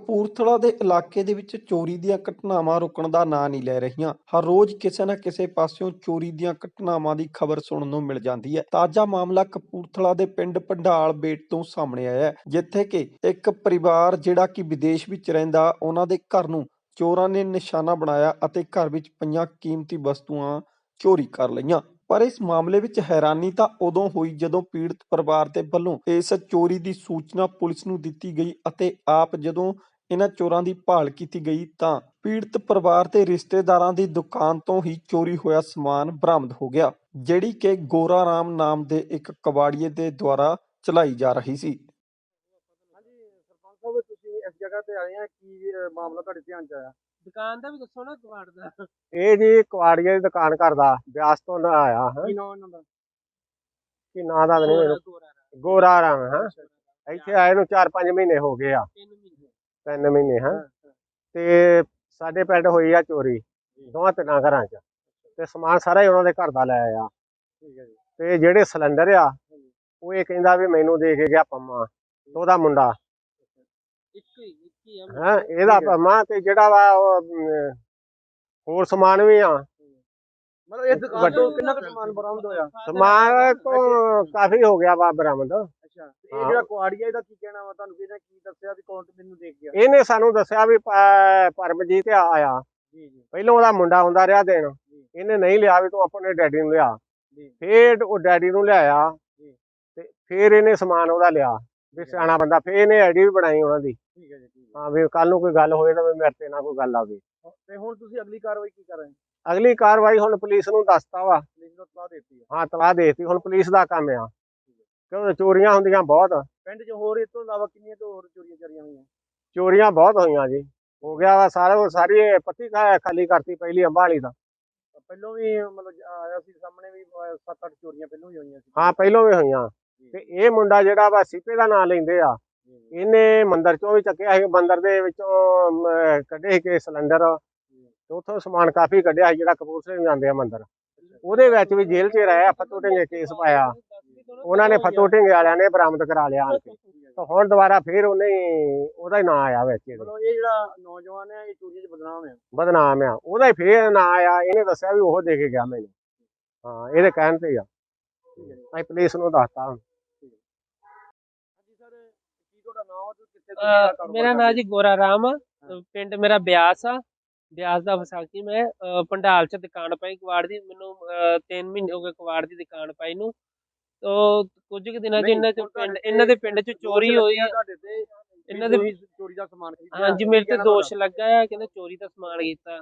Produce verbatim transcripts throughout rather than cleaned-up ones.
ਕਪੂਰਥਲਾ ਦੇ ਇਲਾਕੇ ਦੇ ਵਿੱਚ ਚੋਰੀ ਦੀਆਂ ਘਟਨਾਵਾਂ ਰੁਕਣ ਦਾ ਨਾਂ ਨਹੀਂ ਲੈ ਰਹੀਆਂ। ਹਰ ਰੋਜ਼ ਕਿਸੇ ਨਾ ਕਿਸੇ ਪਾਸਿਓਂ ਚੋਰੀ ਦੀਆਂ ਘਟਨਾਵਾਂ ਦੀ ਖਬਰ ਸੁਣਨ ਨੂੰ ਮਿਲ ਜਾਂਦੀ ਹੈ। ਤਾਜ਼ਾ ਮਾਮਲਾ ਕਪੂਰਥਲਾ ਦੇ ਪਿੰਡ ਭੰਡਾਲ ਬੇਟ ਤੋਂ ਸਾਹਮਣੇ ਆਇਆ ਹੈ, ਜਿੱਥੇ ਕਿ ਇੱਕ ਪਰਿਵਾਰ ਜਿਹੜਾ ਕਿ ਵਿਦੇਸ਼ ਵਿੱਚ ਰਹਿੰਦਾ, ਉਹਨਾਂ ਦੇ ਘਰ ਨੂੰ ਚੋਰਾਂ ਨੇ ਨਿਸ਼ਾਨਾ ਬਣਾਇਆ ਅਤੇ ਘਰ ਵਿੱਚ ਪਈਆਂ ਕੀਮਤੀ ਵਸਤੂਆਂ ਚੋਰੀ ਕਰ ਲਈਆਂ। ਪਰ ਇਸ ਮਾਮਲੇ ਵਿੱਚ ਹੈਰਾਨੀ ਤਾਂ ਉਦੋਂ ਹੋਈ ਜਦੋਂ ਪੀੜਤ ਪਰਿਵਾਰ ਦੇ ਵੱਲੋਂ ਇਸ ਚੋਰੀ ਦੀ ਸੂਚਨਾ ਪੁਲਿਸ ਨੂੰ ਦਿੱਤੀ ਗਈ ਅਤੇ ਆਪ ਜਦੋਂ ਇਹਨਾਂ ਚੋਰਾਂ ਦੀ ਭਾਲ ਕੀਤੀ ਗਈ ਤਾਂ ਪੀੜਤ ਪਰਿਵਾਰ ਤੇ ਰਿਸ਼ਤੇਦਾਰਾਂ ਦੀ ਦੁਕਾਨ ਤੋਂ ਹੀ ਚੋਰੀ ਹੋਇਆ ਸਮਾਨ ਬਰਾਮਦ ਹੋ ਗਿਆ, ਜਿਹੜੀ ਕਿ ਗੋਰਾ ਰਾਮ ਨਾਮ ਦੇ ਇੱਕ ਕਬਾੜੀਏ ਦੇ ਦੁਆਰਾ ਚਲਾਈ ਜਾ ਰਹੀ ਸੀ। ਹਾਂਜੀ ਸਰਪੰਚ ਸਾਹਿਬ, ਤੁਸੀਂ ਇਸ ਜਗ੍ਹਾ ਤੇ ਆਏ ਆ, ਕੀ ਮਾਮਲਾ ਤੁਹਾਡੇ ਧਿਆਨ ਚ ਆਇਆ? ਦੁਕਾਨ ਦਾ ਵੀ ਦੱਸੋ ਨਾ, ਕਬਾੜ ਦਾ। ਇਹ ਜੀ ਕਵਾੜੀਏ ਦੀ ਦੁਕਾਨ ਕਰਦਾ, ਬਿਆਸ ਤੋਂ ਨਾ ਆਇਆ ਹੈ। ਕੀ ਨਾਮ ਇਹਨਾਂ ਦਾ? ਕੀ ਨਾਂ ਦਾ ਨਹੀਂ ਮੈਨੂੰ, ਗੋਰਾ ਰਾਮ। ਗੋਰਾ ਰਾਮ ਹੈ। ਇੱਥੇ ਆਏ ਨੂੰ ਚਾਰ ਪੰਜ ਮਹੀਨੇ ਹੋ ਗਏ ਆ, ਤਿੰਨ ਮਹੀਨੇ। ਤਿੰਨ ਮਹੀਨੇ ਹੈ। ਤੇ ਸਾਡੇ ਪਿੰਡ ਹੋਈ ਆ ਚੋਰੀ ਦੋਵਾਂ ਤਿੰਨਾਂ ਘਰਾਂ ਚ, ਤੇ ਸਮਾਨ ਸਾਰਾ ਹੀ ਉਹਨਾਂ ਦੇ ਘਰ ਦਾ ਲੈ ਆਇਆ। ਤੇ ਜਿਹੜੇ ਸਿਲੰਡਰ ਆ ਉਹ ਇਹ ਕਹਿੰਦਾ ਵੀ ਮੈਨੂੰ ਦੇ ਕੇ ਗਿਆ ਪੰਮਾ, ਉਹਦਾ ਮੁੰਡਾ ਇੱਕ ਹੀ ਇੱਕ ਹੀ ਆ। ਹੈ ਇਹਦਾ ਪੰਮਾ, ਤੇ ਜਿਹੜਾ ਵਾ ਉਹ ਅਮ, ਹੋਰ ਸਮਾਨ ਵੀ ਆ। ਮਤਲਬ ਇਹ ਦੁਕਾਨ ਤੋਂ ਕਿੰਨਾ ਕੁ ਸਮਾਨ ਬਰਾਮਦ ਹੋਇਆ? ਸਮਾਨ ਤੋਂ ਕਾਫੀ ਹੋ ਗਿਆ ਵਾ ਬਰਾਮਦ। ਅੱਛਾ, ਇਹ ਜਿਹੜਾ ਕੁਆੜੀਆ, ਇਹਦਾ ਕੀ ਕਹਿਣਾ ਵਾ? ਤੁਹਾਨੂੰ ਕਿਹਨੇ ਕੀ ਦੱਸਿਆ ਵੀ ਕੌਣ ਮੈਨੂੰ ਦੇਖ ਗਿਆ? ਇਹਨੇ ਸਾਨੂੰ ਦੱਸਿਆ ਵੀ ਪ- ਪਰਮਜੀਤ ਆਇਆ। ਜੀ ਜੀ। ਪਹਿਲਾਂ ਉਹਦਾ ਮੁੰਡਾ ਆਉਂਦਾ ਰਿਹਾ ਦੇਣ, ਇਹਨੇ ਨਹੀਂ ਲਿਆ ਵੀ ਤੂੰ ਆਪਣੇ ਡੈਡੀ ਨੂੰ ਲਿਆ। ਫੇਰ ਉਹ ਡੈਡੀ ਨੂੰ ਲਿਆਇਆ, ਤੇ ਫੇਰ ਇਹਨੇ ਸਮਾਨ ਉਹਦਾ ਲਿਆ ਵੀ ਸਿਆਣਾ ਬੰਦਾ। ਫੇਰ ਇਹਨੇ ਆਈਡੀ ਵੀ ਬਣਾਈ ਉਹਨਾਂ ਦੀ। ਠੀਕ ਹੈ ਜੀ। ਹਾਂ ਵੀ ਕੱਲ ਨੂੰ ਕੋਈ ਗੱਲ ਹੋਏ ਤਾਂ ਮੇਰੇ ਤੇ ਨਾ ਕੋਈ ਗੱਲ ਆਵੇ। ਤੇ ਹੁਣ ਤੁਸੀਂ ਅਗਲੀ ਕਾਰਵਾਈ ਕੀ ਕਰ ਰਹੇ ਹੋ? ਅਗਲੀ ਕਾਰਵਾਈ ਹੁਣ ਪੁਲਿਸ ਨੂੰ ਦੱਸਤਾ ਵਾ। ਪੁਲਿਸ ਨੂੰ ਤਲਾਹ ਦੇਤੀ? ਹਾਂ ਤਲਾਹ ਦੇਤੀ, ਹੁਣ ਪੁਲਿਸ ਦਾ ਕੰਮ ਆ, ਕਿਉਂ ਚੋਰੀਆਂ ਹੁੰਦੀਆਂ ਬਹੁਤ ਪਿੰਡ 'ਚ। ਹੋਰ ਇਸ ਤੋਂ ਇਲਾਵਾ ਕਿੰਨੀਆਂ ਤੋਂ ਹੋਰ ਚੋਰੀਆਂ ਚਾਰੀਆਂ ਹੋਈਆਂ? ਚੋਰੀਆਂ ਬਹੁਤ ਹੋਈਆਂ ਜੀ, ਹੋ ਗਿਆ ਵਾ ਸਾਰਾ। ਸਾਰੀ ਪੱਤੀ ਖਾਲੀ ਕਰਤੀ ਪਹਿਲੀ ਅੰਬਾਂ ਵਾਲੀ ਦਾ। ਪਹਿਲੋਂ ਵੀ ਮਤਲਬ ਆਇਆ ਸੀ ਸਾਹਮਣੇ ਵੀ ਸੱਤ ਅੱਠ ਚੋਰੀਆਂ ਪਹਿਲੋਂ ਵੀ ਹੋਈਆਂ ਸੀ? ਹਾਂ ਪਹਿਲੋਂ ਵੀ ਹੋਈਆਂ। ਤੇ ਇਹ ਮੁੰਡਾ ਜਿਹੜਾ ਵਾ ਸੀਪੇ ਦਾ ਨਾਂ ਲੈਂਦੇ ਆ, ਇਹਨੇ ਮੰਦਰ ਚੋਂ ਵੀ ਚੱਕਿਆ ਸੀ, ਮੰਦਰ ਦੇ ਵਿੱਚੋਂ ਕੱਢੇ ਸੀ ਕਿ ਸਿਲੰਡਰ, ਤੇ ਉੱਥੋਂ ਸਮਾਨ ਕਾਫੀ ਕੱਢਿਆ ਸੀ ਜਿਹੜਾ ਕਪੂਰਥਲੇ ਨੂੰ ਜਾਂਦੇ ਆ ਮੰਦਰ। ਉਹਦੇ ਵਿੱਚ ਵੀ ਜੇਲ੍ਹ 'ਚ ਰਿਹਾ, ਫੱਤੂ ਢਿੰਗੇ ਕੇਸ ਪਾਇਆ ਉਹਨਾਂ ਨੇ, ਫੱਤੂ ਢਿੰਗੇ ਵਾਲਿਆਂ ਨੇ ਬਰਾਮਦ ਕਰਾ ਲਿਆ ਆਣ ਕੇ। ਤਾਂ ਹੁਣ ਦੁਬਾਰਾ ਫੇਰ ਉਹਨੇ ਉਹਦਾ ਹੀ ਨਾਂ ਆਇਆ ਵਿੱਚ। ਇਹ ਜਿਹੜਾ ਨੌਜਵਾਨ ਹੈ ਇਹ ਚੋਰੀਆਂ 'ਚ ਬਦਨਾਮ ਆ? ਬਦਨਾਮ ਆ, ਉਹਦਾ ਹੀ ਫੇਰ ਨਾਂ ਆਇਆ। ਇਹਨੇ ਦੱਸਿਆ ਵੀ ਉਹ ਦੇ ਕੇ ਗਿਆ ਮੈਨੂੰ। ਹਾਂ ਇਹਦੇ ਕਹਿਣ ਤੇ ਆ। ਅਸੀਂ ਪੁਲਿਸ ਨੂੰ ਦੱਸਤਾ। ਮੇਰਾ ਨਾਂ ਜੀ ਗੋਰਾ ਰਾਮ, ਪਿੰਡ ਮੇਰਾ ਬਿਆਸ ਆ। ਬਿਆਸ ਦਾ ਵਿਸਾਖੀ। ਮੈਂ ਭੰਡਾਲ 'ਚ ਦੁਕਾਨ ਪਾਈ ਕਬਾੜ ਦੀ। ਮੈਨੂੰ ਤਿੰਨ ਮਹੀਨੇ ਹੋ ਗਏ ਕਬਾੜ ਦੀ ਦੁਕਾਨ ਪਾਈ ਨੂੰ। ਤੋ ਕੁਝ ਕੁ ਦਿਨਾਂ 'ਚ ਇਹਨਾਂ 'ਚ ਪਿੰਡ ਇਹਨਾਂ ਦੇ ਪਿੰਡ 'ਚ ਚੋਰੀ ਹੋਈ। ਇਹਨਾਂ ਦੇ ਚੋਰੀ ਦਾ ਸਮਾਨ? ਹਾਂਜੀ ਮੇਰੇ ਤੇ ਦੋਸ਼ ਲੱਗਾ ਆ, ਕਹਿੰਦੇ ਚੋਰੀ ਦਾ ਸਮਾਨ ਕੀਤਾ।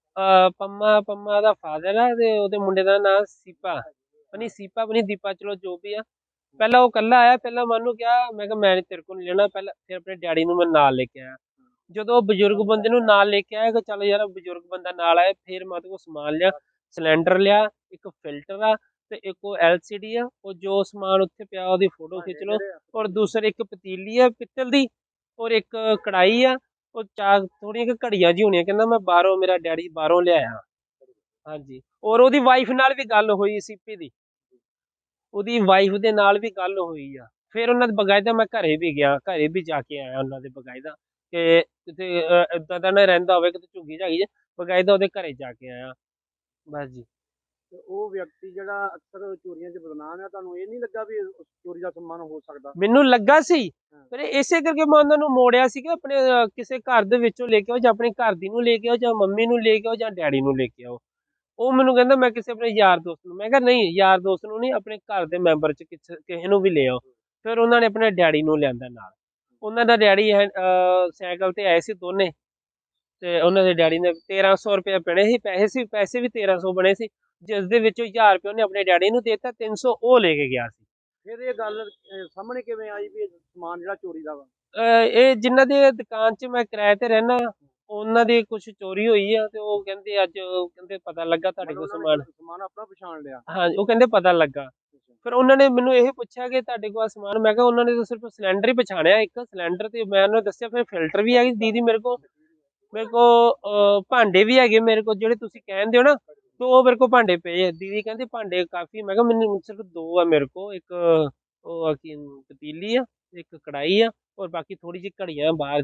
ਪੰਮਾ ਪੰਮਾ ਦਾ ਫਾਦਰ ਆ, ਤੇ ਉਹਦੇ ਮੁੰਡੇ ਦਾ ਨਾਂ ਸੀਪਾ, ਪਨੀ ਸੀਪਾ ਪਨੀ ਦੀਪਾ, ਚਲੋ ਜੋ ਵੀ ਆ। ਪਹਿਲਾਂ ਉਹ ਕੱਲਾ ਆਇਆ, ਪਹਿਲਾਂ ਮੈਂ ਉਹਨੂੰ ਕਿਹਾ, ਮੈਂ ਕਿਹਾ ਮੈਂ ਨੀ ਤੇਰੇ ਕੋਲ ਨੀ ਲੈਣਾ। ਪਹਿਲਾਂ ਫਿਰ ਆਪਣੇ ਡੈਡੀ ਨੂੰ ਮੈਂ ਨਾਲ ਲੈ ਕੇ ਆਇਆ। ਜਦੋਂ ਬਜ਼ੁਰਗ ਬੰਦੇ ਨੂੰ ਨਾਲ ਲੈ ਕੇ ਆਇਆ ਕਿ ਚੱਲ ਯਾਰ ਬਜ਼ੁਰਗ ਬੰਦਾ ਨਾਲ ਆਇਆ, ਫਿਰ ਮੈਂ ਉਹਦੇ ਕੋਲ ਸਮਾਨ ਲਿਆ। ਸਿਲੰਡਰ ਲਿਆ, ਇੱਕ ਫਿਲਟਰ ਆ, ਤੇ ਇੱਕ ਉਹ ਐਲ ਸੀ ਡੀ ਆ। ਉਹ ਜੋ ਸਮਾਨ ਉੱਥੇ ਪਿਆ ਉਹਦੀ ਫੋਟੋ ਖਿੱਚ ਲਓ। ਔਰ ਦੂਸਰੇ ਇੱਕ ਪਤੀਲੀ ਆ ਪਿੱਤਲ ਦੀ, ਔਰ ਇੱਕ ਕੜਾਈ ਆ। ਉਹ ਚਾਰ ਥੋੜੀਆਂ ਕੁ ਘੜੀਆਂ ਜਿਹੀ ਹੋਣੀਆਂ, ਕਹਿੰਦਾ ਮੈਂ ਬਾਹਰੋਂ, ਮੇਰਾ ਡੈਡੀ ਬਾਹਰੋਂ ਲਿਆਇਆ। ਹਾਂਜੀ, ਔਰ ਉਹਦੀ ਵਾਈਫ ਨਾਲ ਵੀ ਗੱਲ ਹੋਈ, ਸੀਪੀ ਦੀ, ਉਹਦੀ ਵਾਈਫ ਦੇ ਨਾਲ ਵੀ ਗੱਲ ਹੋਈ ਆ। ਫਿਰ ਉਹਨਾਂ ਦੇ ਬਕਾਇਦਾ ਮੈਂ ਘਰੇ ਵੀ ਗਿਆ, ਘਰੇ ਵੀ ਜਾ ਕੇ ਆਇਆ ਉਹਨਾਂ ਦੇ ਬਕਾਇਦਾ, ਕਿ ਕਿਤੇ ਏਦਾਂ ਦਾ ਨਾ ਰਹਿੰਦਾ ਹੋਵੇ ਕਿਤੇ ਝੁੱਗੀ ਝਾਗੀ ਚ, ਬਕਾਇਦਾ ਉਹਦੇ ਘਰੇ ਜਾ ਕੇ ਆਇਆ। ਬਸ ਜੀ। ਤੇ ਉਹ ਵਿਅਕਤੀ ਜਿਹੜਾ ਅਕਸਰ ਚੋਰੀਆਂ 'ਚ ਬਦਨਾਮ ਆ, ਤੁਹਾਨੂੰ ਇਹ ਨਹੀਂ ਲੱਗਾ ਵੀ ਚੋਰੀ ਦਾ ਸਮਾਨ ਹੋ ਸਕਦਾ? ਮੈਨੂੰ ਲੱਗਾ ਸੀ, ਪਰ ਇਸੇ ਕਰਕੇ ਮੈਂ ਉਹਨਾਂ ਨੂੰ ਮੋੜਿਆ ਸੀ ਕਿ ਆਪਣੇ ਕਿਸੇ ਘਰ ਦੇ ਵਿੱਚੋਂ ਲੈ ਕੇ ਆਓ, ਜਾਂ ਆਪਣੀ ਘਰ ਦੀ ਨੂੰ ਲੈ ਕੇ ਆਓ, ਜਾਂ ਮੰਮੀ ਨੂੰ ਲੈ ਕੇ ਆਓ, ਜਾਂ ਡੈਡੀ ਨੂੰ ਲੈ ਕੇ ਆਓ। ਉਹ ਮੈਨੂੰ ਕਹਿੰਦਾ ਮੈਂ ਕਿਸੇ ਆਪਣੇ ਯਾਰ ਦੋਸਤ ਨੂੰ। ਮੈਂ ਕਿਹਾ ਨਹੀਂ, ਯਾਰ ਦੋਸਤ ਨੂੰ ਨਹੀਂ, ਆਪਣੇ ਘਰ ਦੇ ਮੈਂਬਰ 'ਚ ਕਿਸੇ ਕਿਸੇ ਨੂੰ ਵੀ ਲੈ ਆਓ। ਫਿਰ ਉਹਨਾਂ ਨੇ ਆਪਣੇ ਡੈਡੀ ਨੂੰ ਲਿਆਂਦਾ ਨਾਲ। ਉਹਨਾਂ ਦਾ ਡੈਡੀ ਹੈ ਸਾਈਕਲ ਤੇ ਆਏ ਸੀ ਦੋਨੇ, ਤੇ ਉਹਨਾਂ ਦੇ ਡੈਡੀ ਨੇ ਤੇਰਾਂ ਸੌ ਰੁਪਏ ਬਣੇ ਸੀ, ਪੈਸੇ ਸੀ ਪੈਸੇ ਵੀ ਤੇਰਾਂ ਸੌ ਬਣੇ ਸੀ, ਜਿਸ ਦੇ ਵਿੱਚੋਂ ਹਜ਼ਾਰ ਰੁਪਏ ਉਹਨੇ ਆਪਣੇ ਡੈਡੀ ਨੂੰ ਦੇ ਦਿੱਤਾ, ਤਿੰਨ ਸੌ ਉਹ ਲੈ ਕੇ ਗਿਆ ਸੀ। ਫਿਰ ਇਹ ਗੱਲ ਸਾਹਮਣੇ ਕਿਵੇਂ ਆਈ ਵੀ ਸਮਾਨ ਜਿਹੜਾ ਚੋਰੀ ਦਾ ਵਾ? ਇਹ ਜਿਨ੍ਹਾਂ ਦੀ ਦੁਕਾਨ 'ਚ ਮੈਂ ਕਿਰਾਏ ਤੇ ਰਹਿਣਾ, ਉਹਨਾਂ ਦੀ ਕੁਛ ਚੋਰੀ ਹੋਈ ਆ, ਤੇ ਉਹ ਕਹਿੰਦੇ ਅੱਜ ਕਹਿੰਦੇ ਪਤਾ ਲੱਗਾ ਤੁਹਾਡੇ ਕੋਲ ਸਮਾਨ। ਸਮਾਨ ਆਪਣਾ ਪਛਾਣ ਲਿਆ? ਹਾਂਜੀ, ਉਹ ਕਹਿੰਦੇ ਪਤਾ ਲੱਗਾ। ਫਿਰ ਉਹਨਾਂ ਨੇ ਮੈਨੂੰ ਇਹ ਪੁੱਛਿਆ ਕਿ ਤੁਹਾਡੇ ਕੋਲ ਸਮਾਨ? ਮੈਂ ਕਿਹਾ ਉਹਨਾਂ ਨੇ ਤਾਂ ਸਿਰਫ ਸਿਲੰਡਰ ਹੀ ਪਛਾਣਿਆ, ਇੱਕ ਸਿਲੰਡਰ, ਤੇ ਮੈਂ ਉਹਨੂੰ ਦੱਸਿਆ ਫਿਰ ਫਿਲਟਰ ਵੀ ਹੈਗੀ ਦੀਦੀ ਮੇਰੇ ਕੋਲ, ਮੇਰੇ ਕੋਲ ਭਾਂਡੇ ਵੀ ਹੈਗੇ ਮੇਰੇ ਕੋਲ ਜਿਹੜੇ ਤੁਸੀਂ ਕਹਿੰਦੇ ਹੋ ਨਾ, ਤੇ ਉਹ ਮੇਰੇ ਕੋਲ ਭਾਂਡੇ ਪਏ ਆ। ਦੀਦੀ ਕਹਿੰਦੇ ਭਾਂਡੇ ਕਾਫੀ। ਮੈਂ ਕਿਹਾ ਮੈਨੂੰ ਸਿਰਫ ਦੋ ਆ ਮੇਰੇ ਕੋਲ, ਇੱਕ ਉਹ ਕੀ ਪਤੀਲੀ ਆ, ਇੱਕ ਕੜਾਈ ਆ, ਔਰ ਬਾਕੀ ਥੋੜੀ ਜਿਹੀ ਘੜੀਆਂ ਬਾਹਰ ਦੀਆਂ।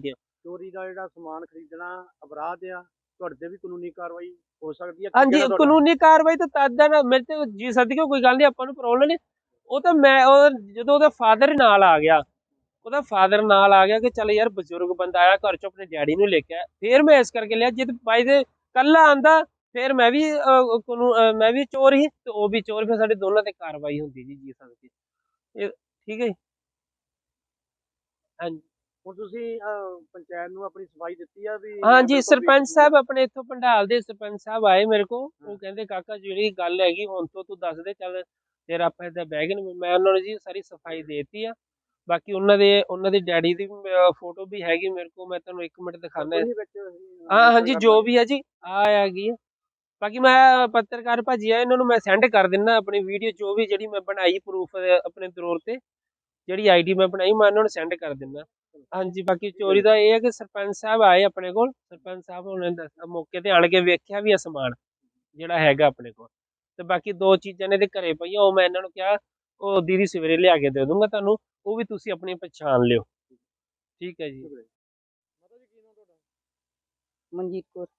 ਚੋਰੀ ਦਾ ਜਿਹੜਾ ਸਮਾਨ ਖਰੀਦਣਾ ਅਪਰਾਧ ਆ, ਤੁਹਾਡੇ ਤੇ ਵੀ ਕਾਨੂੰਨੀ ਕਾਰਵਾਈ ਹੋ ਸਕਦੀ ਹੈ? ਹਾਂਜੀ, ਕਿਹੜਾ ਤੁਹਾਡਾ? ਕਾਨੂੰਨੀ ਕਾਰਵਾਈ ਤਾਂ ਤਦ ਹੈ ਨਾ, ਮੇਰੇ ਤੇ ਜੀ ਸਦਕੇ ਕੋਈ ਗੱਲ ਨਹੀਂ, ਆਪਾਂ ਨੂੰ ਪ੍ਰੋਬਲਮ ਨਹੀਂ। ਉਹ ਤਾਂ ਮੈਂ ਉਹ ਜਦੋਂ ਉਹਦਾ ਫਾਦਰ ਨਾਲ ਆ ਗਿਆ, ਉਹਦਾ ਫਾਦਰ ਨਾਲ ਆ ਗਿਆ ਕਿ ਚੱਲ ਯਾਰ ਬਜ਼ੁਰਗ ਬੰਦਾ ਆਇਆ ਘਰ ਚੋਂ, ਆਪਣੇ ਡੈਡੀ ਨੂੰ ਲੈ ਕੇ ਆਇਆ, ਫਿਰ ਮੈਂ ਇਸ ਕਰਕੇ ਲਿਆ। ਜਿੱਦ ਬਾਈ ਦੇ ਕੱਲਾ ਆਂਦਾ ਫਿਰ ਮੈਂ ਵੀ ਅਹ, ਕਾਨੂੰਨ ਅਹ, ਮੈਂ ਵੀ ਚੋਰ ਹੀ ਤੇ ਉਹ ਵੀ ਚੋਰ, ਫਿਰ ਸਾਡੇ ਦੋਨਾਂ ਤੇ ਕਾਰਵਾਈ ਹੁੰਦੀ ਜੀ ਜੀ ਸਦਕੇ। ਇਹ ਠੀਕ ਹੈ ਜੀ। ਹਾਂਜੀ ਹੁਣ ਤੁਸੀਂ ਅਹ, ਪੰਚਾਇਤ ਨੂੰ ਆਪਣੀ ਸਫਾਈ ਦਿੱਤੀ ਆ ਵੀ ਹਾਂਜੀ, ਮੈਂਬਰ ਸਰਪੰਚ ਪਬਲਿਕ ਸਾਹਿਬ ਆਪਣੇ ਇੱਥੋਂ ਪੰਡਾਲ ਦੇ ਸਰਪੰਚ ਸਾਹਿਬ ਆਏ ਮੇਰੇ ਕੋਲ। ਉਹ ਕਹਿੰਦੇ ਕਾਕਾ ਜਿਹੜੀ ਗੱਲ ਹੈਗੀ ਹੁਣ ਤੋਂ ਤੂੰ ਦੱਸ ਦੇ, ਚੱਲ ਫਿਰ ਆਪਾਂ ਏਦਾਂ ਬਹਿ ਗਏ ਨੇ। ਮੈਂ ਉਹਨਾਂ ਨੂੰ ਜੀ ਸਾਰੀ ਸਫਾਈ ਦੇਤੀ ਆ। ਬਾਕੀ ਉਹਨਾਂ ਦੇ ਉਹਨਾਂ ਦੇ ਡੈਡੀ ਦੀ ਫੋਟੋ ਵੀ ਹੈਗੀ ਮੇਰੇ ਕੋਲ, ਮੈਂ ਤੁਹਾਨੂੰ ਇੱਕ ਮਿੰਟ ਦਿਖਾਉਂਦਾ। ਉਹੀ ਵਿੱਚ ਹਾਂ ਹਾਂਜੀ, ਜੋ ਵੀ ਹੈ ਜੀ ਆ ਹੈਗੀ ਆ। ਬਾਕੀ ਮੈਂ ਪੱਤਰਕਾਰ ਭਾਜੀ ਆ, ਇਹਨਾਂ ਨੂੰ ਮੈਂ ਸੈਂਡ ਕਰ ਦਿੰਦਾ ਆਪਣੀ ਵੀਡੀਓ, ਜੋ ਵੀ ਜਿਹੜੀ ਮੈਂ ਬਣਾਈ ਪ੍ਰੂਫ ਆਪਣੇ ਤੌਰ ਤੇ, ਜਿਹੜੀ ਆਈਡੀ ਮੈਂ ਬਣਾਈ ਮੈਂ ਉਹਨਾਂ ਨੂੰ ਸੈਂਡ ਕਰ ਦਿੰਦਾ। ਹਾਂਜੀ, ਬਾਕੀ ਚੋਰੀ ਦਾ ਇਹ ਹੈ ਕਿ ਸਰਪੰਚ ਸਾਹਿਬ ਆਏ ਆਪਣੇ ਕੋਲ, ਸਰਪੰਚ ਸਾਹਿਬ ਉਹਨਾਂ ਨੇ ਦੱਸਿਆ, ਮੌਕੇ ਤੇ ਆਣ ਕੇ ਵੇਖਿਆ ਵੀ ਆ ਸਮਾਨ ਜਿਹੜਾ ਹੈਗਾ ਆਪਣੇ ਕੋਲ। ਤੇ ਬਾਕੀ ਦੋ ਚੀਜ਼ਾਂ ਨੇ ਤੇ ਘਰੇ ਪਈਆਂ, ਉਹ ਮੈਂ ਇਹਨਾਂ ਨੂੰ ਕਿਹਾ ਉਹ ਦੀਦੀ ਸਵੇਰੇ ਲਿਆ ਕੇ ਦੇ ਦੂੰਗਾ ਤੁਹਾਨੂੰ, ਉਹ ਵੀ ਤੁਸੀਂ ਆਪਣੀ ਪਛਾਣ ਲਿਓ। ਠੀਕ ਹੈ ਜੀ। ਮਾਤਾ ਜੀ ਕੀ ਨਾਮ ਤੁਹਾਡਾ? ਮਨਜੀਤ ਕੌਰ।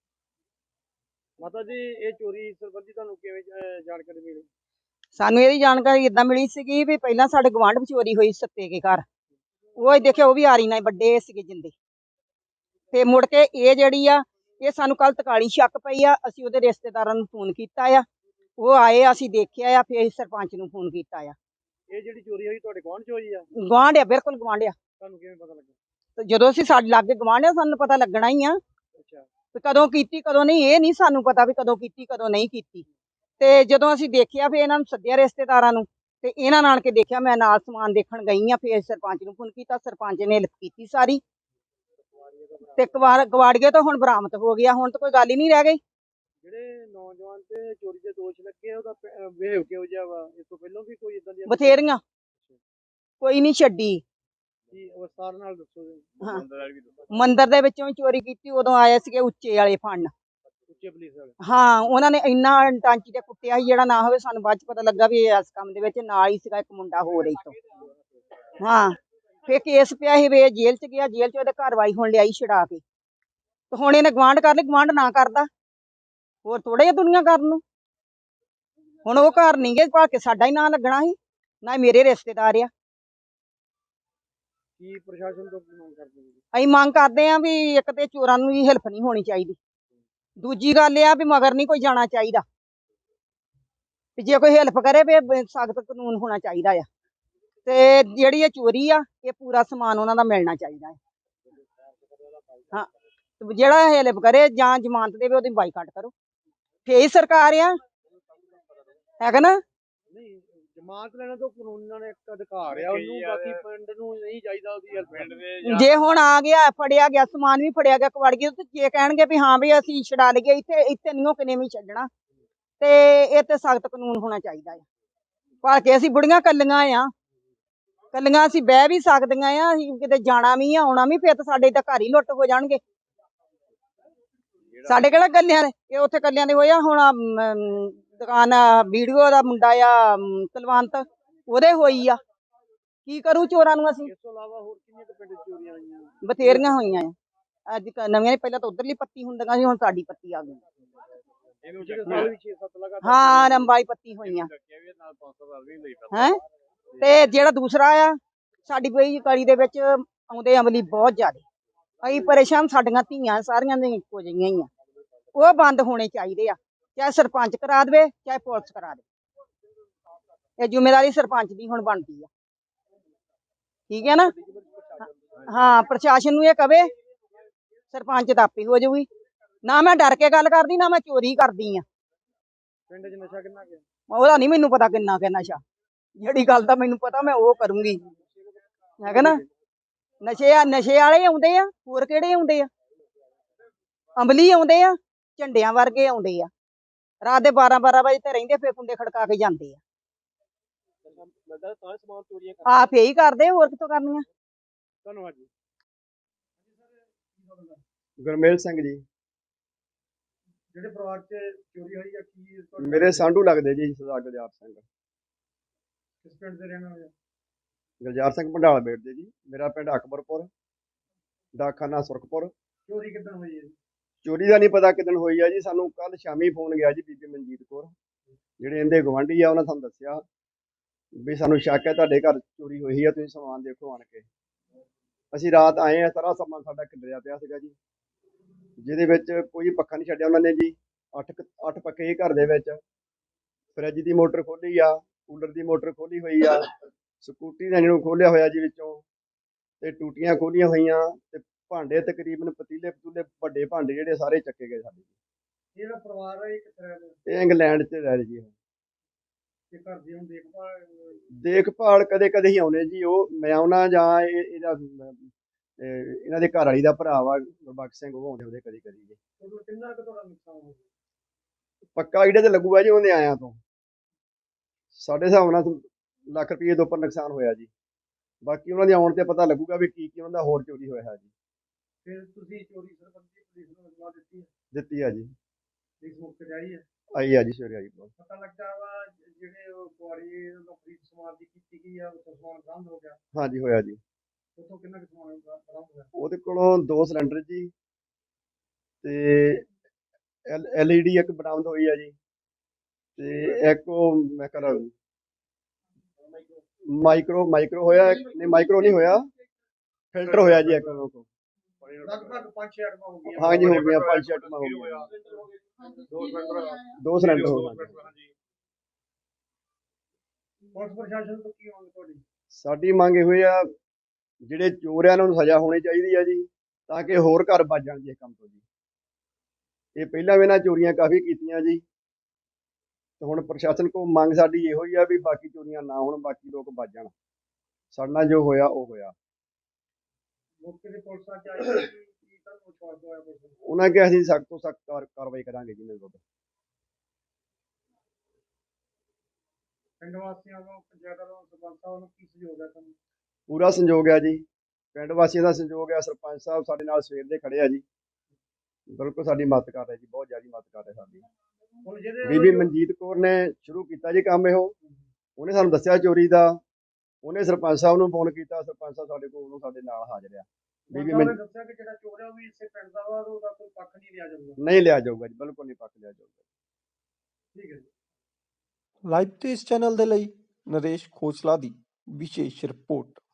ਮਾਤਾ ਜੀ ਇਹ ਚੋਰੀ ਸੰਬੰਧੀ ਤੁਹਾਨੂੰ ਕਿਵੇਂ ਅਹ, ਜਾਣਕਾਰੀ ਮਿਲੀ? ਸਾਨੂੰ ਇਹਦੀ ਜਾਣਕਾਰੀ ਇਦਾਂ ਮਿਲੀ ਸੀਗੀ ਵੀ ਪਹਿਲਾਂ ਸਾਡੇ ਗਵਾਂਢ ਵਿੱਚ ਚੋਰੀ ਹੋਈ ਸੱਤੇ ਕੇ ਘਰ, ਉਹ ਹੀ ਦੇਖਿਆ, ਉਹ ਵੀ ਆਰੀ ਨਾਲ ਵੱਡੇ ਸੀਗੇ ਜਿੰਦੇ। ਤੇ ਮੁੜ ਕੇ ਇਹ ਜਿਹੜੀ ਆ, ਇਹ ਸਾਨੂੰ ਕੱਲ ਤਕਾਲੀ ਸ਼ੱਕ ਪਈ ਆ, ਅਸੀਂ ਉਹਦੇ ਰਿਸ਼ਤੇਦਾਰਾਂ ਨੂੰ ਫੋਨ ਕੀਤਾ ਆ, ਉਹ ਆਏ, ਅਸੀਂ ਦੇਖਿਆ ਆ, ਫਿਰ ਅਸੀਂ ਸਰਪੰਚ ਨੂੰ ਫੋਨ ਕੀਤਾ ਆ। ਇਹ ਜਿਹੜੀ ਚੋਰੀ ਹੋਈ ਤੁਹਾਡੇ ਗੁਆਂਢ ਚ ਹੋਈ ਆ? ਗਵਾਂਢ ਆ, ਬਿਲਕੁਲ ਗਵਾਂਢ ਆ। ਤੁਹਾਨੂੰ ਕਿਵੇਂ ਪਤਾ ਲੱਗਾ? ਤੇ ਜਦੋਂ ਅਸੀਂ ਸਾਡੇ ਲਾਗੇ ਗਵਾਂਢ ਆ, ਸਾਨੂੰ ਪਤਾ ਲੱਗਣਾ ਹੀ ਆ ਅੱਛਾ, ਵੀ ਕਦੋਂ ਕੀਤੀ ਕਦੋਂ ਨਹੀਂ, ਇਹ ਨਹੀਂ ਸਾਨੂੰ ਪਤਾ ਵੀ ਕਦੋਂ ਕੀਤੀ ਕਦੋਂ ਨਹੀਂ ਕੀਤੀ। ਤੇ ਜਦੋਂ ਅਸੀਂ ਦੇਖਿਆ ਫਿਰ ਇਹਨਾਂ ਨੂੰ ਸੱਦਿਆ ਰਿਸ਼ਤੇਦਾਰਾਂ ਨੂੰ, ਤੇ ਇਹਨਾਂ ਨਾਲ ਕੇ ਦੇਖਿਆ, ਮੈਂ ਨਾਲ ਸਮਾਨ ਦੇਖਣ ਗਈ ਆ, ਫਿਰ ਸਰਪੰਚ ਨੂੰ ਫੋਨ ਕੀਤਾ, ਸਰਪੰਚ ਨੇ ਹੈਲਪ ਕੀਤੀ ਸਾਰੀ, ਤੇ ਕਵਾੜ ਗਵਾੜੀਏ ਤਾਂ ਹੁਣ ਬਰਾਮਦ ਹੋ ਗਿਆ, ਹੁਣ ਤਾਂ ਕੋਈ ਗੱਲ ਹੀ ਨਹੀਂ ਰਹਿ ਗਈ। ਜਿਹੜੇ ਨੌਜਵਾਨ ਤੇ ਚੋਰੀ ਦੇ ਦੋਸ਼ ਲੱਗੇ ਉਹਦਾ ਬਿਹੇਵ ਕਿਹੋ ਜਿਹਾ ਵਾ? ਇਸ ਤੋਂ ਪਹਿਲਾਂ ਵੀ ਕੋਈ ਇਦਾਂ ਦੀ ਬਥੇਰੀਆਂ, ਕੋਈ ਨਹੀਂ ਛੱਡੀ। ਕੀ ਵਿਸਤਾਰ ਨਾਲ ਦੱਸੋ ਜੀ। ਹਾਂ। ਮੰਦਰ ਵਾਲੀ ਵੀ ਦੱਸੋ। ਮੰਦਿਰ ਦੇ ਵਿੱਚੋਂ ਵੀ ਚੋਰੀ ਕੀਤੀ, ਉਦੋਂ ਆਏ ਸੀਗੇ ਉੱਚੇ ਵਾਲੇ ਫੰਡ। ਉੱਚੇ ਪੁਲਿਸ ਵਾਲੇ? ਹਾਂ, ਉਹਨਾਂ ਨੇ ਇੰਨਾ ਟਾਂਚੀ ਤੇ ਕੁੱਟਿਆ ਸੀ ਜਿਹੜਾ ਨਾ ਹੋਵੇ, ਸਾਨੂੰ ਬਾਅਦ ਚ ਪਤਾ ਲੱਗਾ ਵੀ ਇਹ ਇਸ ਕੰਮ ਦੇ ਵਿੱਚ ਨਾਲ ਹੀ ਸੀਗਾ ਇੱਕ ਮੁੰਡਾ ਹੋਰ ਇੱਥੋਂ। ਹਾਂ, ਫਿਰ ਕੇਸ ਪਿਆ ਸੀ ਵੀ ਇਹ ਜੇਲ੍ਹ ਚ ਗਿਆ, ਜੇਲ੍ਹ ਚ ਉਹਦੇ ਕਾਰਵਾਈ ਹੁਣ ਲਿਆਈ ਛੁਡਾ ਕੇ, ਤੇ ਹੁਣ ਇਹਨੇ ਗਵਾਂਢ ਕਰ ਲਈ, ਗਵਾਂਢ ਨਾ ਕਰਦਾ ਹੋਰ ਥੋੜਾ ਜਿਹਾ ਦੁਨੀਆ ਕਰਨ ਨੂੰ। ਹੁਣ ਉਹ ਘਰ ਨਹੀਂ ਗਏ, ਭਾਵੇਂ ਸਾਡਾ ਹੀ ਨਾਂ ਲੱਗਣਾ ਸੀ, ਨਾ ਹੀ ਮੇਰੇ ਰਿਸ਼ਤੇਦਾਰ ਆ। ਕੀ ਪ੍ਰਸ਼ਾਸਨ ਤੋਂ ਕੀ ਮੰਗ ਕਰਦੇ ਹੋ? ਅਸੀਂ ਮੰਗ ਕਰਦੇ ਆ ਵੀ ਇੱਕ ਤੇ ਚੋਰਾਂ ਨੂੰ ਵੀ ਹੈਲਪ ਨਹੀਂ ਹੋਣੀ ਚਾਹੀਦੀ, ਦੂਜੀ ਗੱਲ ਇਹ ਆ ਵੀ ਮਗਰ ਨਹੀਂ ਕੋਈ ਜਾਣਾ ਚਾਹੀਦਾ, ਵੀ ਜੇ ਕੋਈ ਹੈਲਪ ਕਰੇ ਫਿਰ ਸਖਤ ਕਾਨੂੰਨ ਹੋਣਾ ਚਾਹੀਦਾ ਆ। ਤੇ ਜਿਹੜੀ ਇਹ ਚੋਰੀ ਆ, ਇਹ ਪੂਰਾ ਸਮਾਨ ਉਹਨਾਂ ਦਾ ਮਿਲਣਾ ਚਾਹੀਦਾ ਹੈ। ਹਾਂ, ਤੇ ਜਿਹੜਾ ਹੈਲਪ ਕਰੇ ਜਾਂ ਜ਼ਮਾਨਤ ਦੇਵੇ, ਉਹਦੀ ਬਾਈਕਾਟ ਕਰੋ, ਫੇਰ ਹੀ ਸਰਕਾਰ ਆ, ਹੈਗਾ ਨਾ। ਨਹੀਂ, ਜ਼ਮਾਨਤ ਲੈਣਾ ਤਾਂ ਕਾਨੂੰਨਾਂ ਨੇ ਇੱਕ ਅਧਿਕਾਰ ਆ ਉਹਨੂੰ, ਬਾਕੀ ਪਿੰਡ ਨੂੰ ਨਹੀਂ ਚਾਹੀਦਾ ਉਹਦੀ ਹੈਲਪ। ਜੇ ਹੁਣ ਆ ਗਿਆ, ਫੜਿਆ ਗਿਆ, ਸਮਾਨ ਵੀ ਫੜਿਆ ਗਿਆ ਕਵਾੜੀਏ, ਤੇ ਜੇ ਕਹਿਣਗੇ ਵੀ ਹਾਂ ਵੀ ਅਸੀਂ ਛਡਾ ਲਈਏ, ਇੱਥੇ ਇੱਥੇ ਨਹੀਂ ਉਹ ਕਿਨੇ ਵੀ ਛੱਡਣਾ, ਤੇ ਇਹ ਤੇ ਸਖਤ ਕਾਨੂੰਨ ਹੋਣਾ ਚਾਹੀਦਾ ਹੈ। ਭਾਵੇਂ ਕਿ ਅਸੀਂ ਬੁੜੀਆਂ ਕੱਲੀਆਂ ਆ, ਕੱਲੀਆਂ ਅਸੀਂ ਬਹਿ ਵੀ ਸਕਦੀਆਂ ਆ, ਅਸੀਂ ਕਿਤੇ ਜਾਣਾ ਵੀ ਆ ਆਉਣਾ ਵੀ, ਫਿਰ ਤਾਂ ਸਾਡੇ ਤਾਂ ਘਰ ਹੀ ਲੁੱਟ ਹੋ ਜਾਣਗੇ। ਸਾਡੇ ਕਿਹੜਾ ਕੱਲਿਆਂ ਦੇ, ਇਹ ਉੱਥੇ ਕੱਲਿਆਂ ਦੇ ਹੋਇਆ। ਹੁਣ ਦੁਕਾਨ ਵੀਡੀਓ ਦਾ ਮੁੰਡਾ ਆ ਕੁਲਵੰਤ, ਉਹਦੇ ਹੋਈ ਆ, ਕੀ ਕਰੂ ਚੋਰਾਂ ਨੂੰ ਅਸੀਂ। ਇਸ ਤੋਂ ਇਲਾਵਾ ਹੋਰ ਕਿੰਨੀਆਂ ਕੁ ਪਿੰਡ 'ਚ ਚੋਰੀਆਂ ਹੋਈਆਂ? ਬਥੇਰੀਆਂ ਹੋਈਆਂ ਆ, ਅੱਜ ਨਵੀਆਂ, ਪਹਿਲਾਂ ਤਾਂ ਉਧਰਲੀ ਪੱਤੀ ਹੁੰਦੀਆਂ ਸੀ, ਹੁਣ ਸਾਡੀ ਪੱਤੀ ਆ ਗਈ। ਹਾਂ, ਰੰਬਾਈ ਪੱਤੀ ਹੋਈਆਂ ਹੈ। ਤੇ ਜਿਹੜਾ ਦੂਸਰਾ ਆ, ਸਾਡੀ ਬਈ ਕਲੀ ਦੇ ਵਿੱਚ ਆਉਂਦੇ ਅਮਲੀ ਬਹੁਤ ਜ਼ਿਆਦਾ, ਅਸੀਂ ਪਰੇਸ਼ਾਨ, ਸਾਡੀਆਂ ਧੀਆਂ ਸਾਰੀਆਂ ਦੇ ਇੱਕੋ ਜਿਹੀਆਂ ਹੀ ਆ, ਉਹ ਬੰਦ ਹੋਣੇ ਚਾਹੀਦੇ ਆ, ਚਾਹੇ ਸਰਪੰਚ ਕਰਾ ਦੇਵੇ ਚਾਹੇ ਪੁਲਿਸ ਕਰਾ ਦੇਵੇ, ਇਹ ਜ਼ਿੰਮੇਵਾਰੀ ਸਰਪੰਚ ਦੀ ਹੁਣ ਬਣਦੀ ਆ। ਠੀਕ ਹੈ ਨਾ। ਹਾਂ, ਪ੍ਰਸ਼ਾਸਨ ਨੂੰ ਇਹ ਕਵੇ, ਸਰਪੰਚ ਤਾਂ ਆਪੇ ਹੋ ਜਾਊਗੀ। ਨਾ ਮੈਂ ਡਰ ਕੇ ਗੱਲ ਕਰਦੀ, ਨਾ ਮੈਂ ਚੋਰੀ ਕਰਦੀ ਆ। ਪਿੰਡ 'ਚ ਨਸ਼ਾ ਕਿੰਨਾ ਗਿਆ? ਉਹਦਾ ਨਹੀਂ ਮੈਨੂੰ ਪਤਾ ਕਿੰਨਾ ਕਿ ਨਸ਼ਾ, ਜਿਹੜੀ ਗੱਲ ਦਾ ਮੈਨੂੰ ਪਤਾ ਮੈਂ ਉਹ ਕਰੂੰਗੀ, ਹੈਗਾ ਨਾ। ਨਸ਼ੇ ਆ, ਨਸ਼ੇ ਵਾਲੇ ਆਉਂਦੇ ਆ, ਹੋਰ ਕਿਹੜੇ ਆਉਂਦੇ ਆ? ਅੰਬਲੀ ਆਉਂਦੇ ਆ, ਝੰਡਿਆਂ ਵਰਗੇ ਆਉਂਦੇ ਆ, ਰਾਤ ਦੇ ਬਾਰਾਂ ਬਾਰਾਂ ਵਜੇ ਤੇ ਰਹਿੰਦੇ, ਫਿਰ ਕੁੰਡੇ ਖੜਕਾ ਕੇ ਜਾਂਦੇ ਆ। ਆਪ ਇਹੀ ਕਰਦੇ, ਹੋਰ ਕਿੱਥੋਂ ਕਰਨੀਆਂ। ਧੰਨਵਾਦ ਜੀ। ਗੁਰਮੇਲ ਸਿੰਘ ਜੀ। ਜਿਹੜੇ ਪਰਿਵਾਰ 'ਚ ਚੋਰੀ ਹੋਈ ਆ, ਕੀ ਮੇਰੇ ਸਾਂਢੂ ਲੱਗਦੇ ਜੀ, ਸਰਦਾਰ ਗੁਲਜ਼ਾਰ ਸਿੰਘ। ਕਿਸ ਪਿੰਡ ਦੇ ਰਹਿਣ ਵਾਲੇ? ਗੁਲਜ਼ਾਰ ਸਿੰਘ ਭੰਡਾਲ ਬੇਟ ਦੇ ਜੀ। ਮੇਰਾ ਪਿੰਡ ਅਕਬਰਪੁਰ, ਡਾਕਖਾਨਾ ਸੁਰਖਪੁਰ। ਚੋਰੀ ਕਿੱਦਣ ਹੋਈ ਹੈ ਜੀ? ਚੋਰੀ ਦਾ ਨਹੀਂ ਪਤਾ ਕਿਦਣ ਹੋਈ ਆ ਜੀ, ਸਾਨੂੰ ਕੱਲ ਸ਼ਾਮੀ ਫੋਨ ਗਿਆ ਜੀ ਬੀਬੀ ਮਨਜੀਤ ਕੌਰ, ਜਿਹੜੇ ਇਹਦੇ ਗਵਾਂਢੀ ਆ, ਉਹਨਾਂ ਸਾਨੂੰ ਦੱਸਿਆ ਵੀ ਸਾਨੂੰ ਸ਼ੱਕ ਹੈ ਤੁਹਾਡੇ ਘਰ ਚੋਰੀ ਹੋਈ ਆ, ਤੁਸੀਂ ਸਮਾਨ ਦੇਖੋ ਆਣ ਕੇ। ਅਸੀਂ ਰਾਤ ਆਏ ਆ, ਸਾਰਾ ਸਮਾਨ ਸਾਡਾ ਖਿਲਰਿਆ ਪਿਆ ਸੀਗਾ ਜੀ, ਜਿਹਦੇ ਵਿੱਚ ਕੋਈ ਪੱਖਾ ਨਹੀਂ ਛੱਡਿਆ ਉਹਨਾਂ ਨੇ ਜੀ। ਅੱਠ ਕੁ- ਅੱਠ ਪੱਖੇ ਘਰ ਦੇ ਵਿੱਚ, ਫਰਿੱਜ ਦੀ ਮੋਟਰ ਖੋਲੀ ਆ, ਕੂਲਰ ਦੀ ਮੋਟਰ ਖੋਲੀ ਹੋਈ ਆ, ਸਕੂਟੀ ਦਾ ਇਹਨੂੰ ਖੋਲਿਆ ਹੋਇਆ ਜੀ ਵਿੱਚੋਂ, ਤੇ ਟੂਟੀਆਂ ਖੋਲੀਆਂ ਹੋਈਆਂ, ਤੇ ਭਾਂਡੇ ਤਕਰੀਬਨ ਪਤੀਲੇ ਪਤੂਲੇ ਵੱਡੇ ਭਾਂਡੇ ਜਿਹੜੇ ਸਾਰੇ ਚੱਕੇ ਗਏ ਸਾਡੇ। ਜਿਹੜਾ ਪਰਿਵਾਰ ਹੈ ਇਹ ਕਿੱਥੇ ਰਹਿੰਦਾ? ਇਹ ਇੰਗਲੈਂਡ 'ਚ ਰਹਿ ਰਹੇ ਜੀ ਉਹ। ਤੇ ਘਰ ਦੀ ਹੁਣ ਦੇਖਭਾਲ ਅਹ, ਦੇਖਭਾਲ ਕਦੇ ਕਦੇ ਹੀ ਆਉਣੇ ਜੀ, ਉਹ ਮੈਂ ਆਉਣਾ ਜਾਂ ਇਹ ਇਹਦਾ ਅਮ, ਇਹ ਇਹਨਾਂ ਦੇ ਘਰ ਵਾਲੀ ਦਾ ਭਰਾ ਵਾ ਗੁਰਬਖਸ਼ ਸਿੰਘ, ਉਹ ਆਉਂਦੇ ਉਹਦੇ ਕਦੀ ਕਦੀ ਜੀ। ਟੋਟਲ ਕਿੰਨਾ ਕੁ ਤੁਹਾਡਾ ਨੁਕਸਾਨ ਹੋ ਗਿਆ? ਪੱਕਾ ਆਈਡੀਆ ਤੇ ਲੱਗੂਗਾ ਜੀ ਉਹਨੇ ਆਇਆਂ ਤੋਂ, ਸਾਡੇ ਹਿਸਾਬ ਨਾਲ ਲੱਖ ਰੁਪਏ ਦੇ ਉੱਪਰ ਨੁਕਸਾਨ ਹੋਇਆ ਜੀ। ਬਾਕੀ ਉਹਨਾਂ ਦੇ ਆਉਣ ਤੇ ਪਤਾ ਲੱਗੂਗਾ ਵੀ ਕੀ ਕੀ ਉਹਨਾਂ ਦਾ ਹੋਰ ਚੋਰੀ ਹੋਇਆ ਹੈ ਜੀ। ਫਿਰ ਤੁਸੀਂ ਚੋਰੀ ਸੰਬੰਧੀ ਪੁਲਿਸ ਨੂੰ ਇਤਲਾਹ ਦਿੱਤੀ ਹੈ? ਦਿੱਤੀ ਆ ਜੀ, ਪੁਲਿਸ ਮੌਕੇ ਤੇ ਆਈ ਹੈ? ਆਈ ਆ ਜੀ ਸਵੇਰੇ ਆਈ ਬਹੁਤ। ਪਤਾ ਲੱਗਾ ਵਾ ਜਿਹੜੇ ਉਹ ਕੁਆੜੀ ਨੂੰ ਖਰੀਦ ਸਮਾਨ ਦੀ ਕੀਤੀ ਗਈ ਆ, ਉਹ ਸਮਾਨ ਬਰਾਮਦ ਹੋ ਗਿਆ? ਹਾਂਜੀ ਹੋਇਆ ਜੀ। ਉੱਥੋਂ ਕਿੰਨਾ ਕੁ ਸਮਾਨ ਬਰਾ- ਬਰਾਮਦ ਹੋਇਆ? ਉਹਦੇ ਕੋਲੋਂ ਦੋ ਸਿਲੰਡਰ ਜੀ, ਤੇ ਐਲ ਈ ਡੀ ਇੱਕ ਬਰਾਮਦ ਹੋਈ ਆ ਜੀ, ਤੇ ਇੱਕ ਉਹ ਮੈਂ ਕਹਿੰਦਾ ਮਾਈਕਰੋ ਮਾਈਕਰੋ ਹੋਇਆ ਇੱਕ- ਨਹੀਂ ਮਾਈਕਰੋ ਨਹੀਂ ਹੋਇਆ, ਫਿਲਟਰ ਹੋਇਆ ਜੀ ਇੱਕ ਉਹਨਾਂ ਕੋਲ। ਲਗਭਗ ਪੰਜ ਛੇ ਆਈਟਮਾਂ ਹੋ ਗਈਆਂ। ਹਾਂਜੀ ਹੋ ਗਈਆਂ, ਪੰਜ ਛੇ ਆਈਟਮਾਂ ਹੋ ਗਈਆਂ, ਦੋ ਸਿਲੰਡਰ ਦੋ ਸਿਲੰਡਰ ਹੋ ਗਏ। ਪੁਲਿਸ ਪ੍ਰਸ਼ਾਸਨ ਤੋਂ ਕੀ ਮੰਗ ਤੁਹਾਡੀ? ਸਾਡੀ ਮੰਗ ਇਹੋ ਆ, ਜਿਹੜੇ ਚੋਰ ਆ ਉਹਨਾਂ ਨੂੰ ਸਜ਼ਾ ਹੋਣੀ ਚਾਹੀਦੀ ਆ ਜੀ, ਤਾਂ ਕਿ ਹੋਰ ਘਰ ਬਚ ਜਾਣ ਜੀ ਇਹ ਕੰਮ ਤੋਂ ਜੀ। ਇਹ ਪਹਿਲਾਂ ਵੀ ਇਹਨਾਂ ਚੋਰੀਆਂ ਕਾਫੀ ਕੀਤੀਆਂ ਜੀ, ਤੇ ਹੁਣ ਪ੍ਰਸ਼ਾਸਨ ਕੋਲ ਮੰਗ ਸਾਡੀ ਇਹੋ ਹੀ ਆ ਵੀ ਬਾਕੀ ਚੋਰੀਆਂ ਨਾ ਹੋਣ, ਬਾਕੀ ਲੋਕ ਬਚ ਜਾਣ। ਸਾਡੇ ਨਾਲ ਜੋ ਹੋਇਆ ਉਹ ਹੋਇਆ। ਮੌਕੇ ਤੇ ਪੁਲਿਸ ਆ ਕੇ ਆਈ ਸੀ, ਕੀ ਤੁਹਾਨੂੰ ਵਿਸ਼ਵਾਸ ਹੋਇਆ ਪੁਲਿਸ ਨੂੰ? ਉਹਨਾਂ ਕਿਹਾ ਅਸੀਂ ਸਖਤ ਤੋਂ ਸਖਤ ਕਾਰਵਾਈ ਕਰਾਂਗੇ ਜੀ ਇਹਨਾਂ ਵਿਰੁੱਧ। ਪਿੰਡ ਵਾਸੀਆਂ ਵੱਲੋਂ, ਪੰਚਾਇਤ ਵੱਲੋਂ, ਸਰਪੰਚ ਸਾਹਿਬ ਵੱਲੋਂ ਕੀ ਸਹਿਯੋਗ ਹੈ ਤੁਹਾਨੂੰ? ਪੂਰਾ ਸੰਯੋਗ ਹੈ ਜੀ, ਪਿੰਡ ਵਾਸੀਆਂ ਦਾ ਸੰਯੋਗ ਹੈ, ਸਰਪੰਚ ਸਾਹਿਬ ਸਾਡੇ ਨਾਲ ਸਵੇਰ ਦੇ ਖੜੇ ਆ ਜੀ, ਬਿਲਕੁਲ ਸਾਡੀ ਮਦਦ ਕਰ ਰਹੇ ਜੀ, ਬਹੁਤ ਜ਼ਿਆਦਾ ਮਦਦ ਕਰ ਰਹੇ ਸਾਡੀ। ਹੁਣ ਜਿਹਦੇ ਬੀਬੀ ਮਨਜੀਤ ਕੌਰ ਨੇ ਸ਼ੁਰੂ ਕੀਤਾ ਜੀ ਕੰਮ ਇਹੋ, ਉਹਨੇ ਸਾਨੂੰ ਦੱਸਿਆ ਚੋਰੀ ਦਾ, ਉਹਨੇ ਸਰਪੰਚ ਸਾਹਿਬ ਨੂੰ ਫੋਨ ਕੀਤਾ, ਸਰਪੰਚ ਸਾਹਿਬ ਸਾਡੇ ਕੋਲ ਉਹਨੂੰ ਸਾਡੇ ਨਾਲ ਹਾਜ਼ਰ ਆ। ਬੀਬੀ ਉਹਨਾਂ ਮਨ ਨੇ ਦੱਸਿਆ ਕਿ ਜਿਹੜਾ ਚੋਰ ਹੈ ਉਹ ਵੀ ਇਸੇ ਪਿੰਡ ਦਾ ਵਾ, ਉਹਦਾ ਕੋਈ ਪੱਖ ਨਹੀਂ ਲਿਆ ਜਾਊਗਾ। ਨਹੀਂ ਲਿਆ ਜਾਊਗਾ ਜੀ, ਬਿਲਕੁਲ ਨਹੀਂ ਪੱਕ ਲਿਆ ਜਾਊਗਾ। ਠੀਕ ਹੈ ਜੀ। ਲਾਈਵ ਤੇ ਇਸ ਚੈਨਲ ਦੇ ਲਈ ਨਰੇਸ਼ ਖੋਸਲਾ ਦੀ ਵਿਸ਼ੇਸ਼ ਰਿਪੋਰਟ।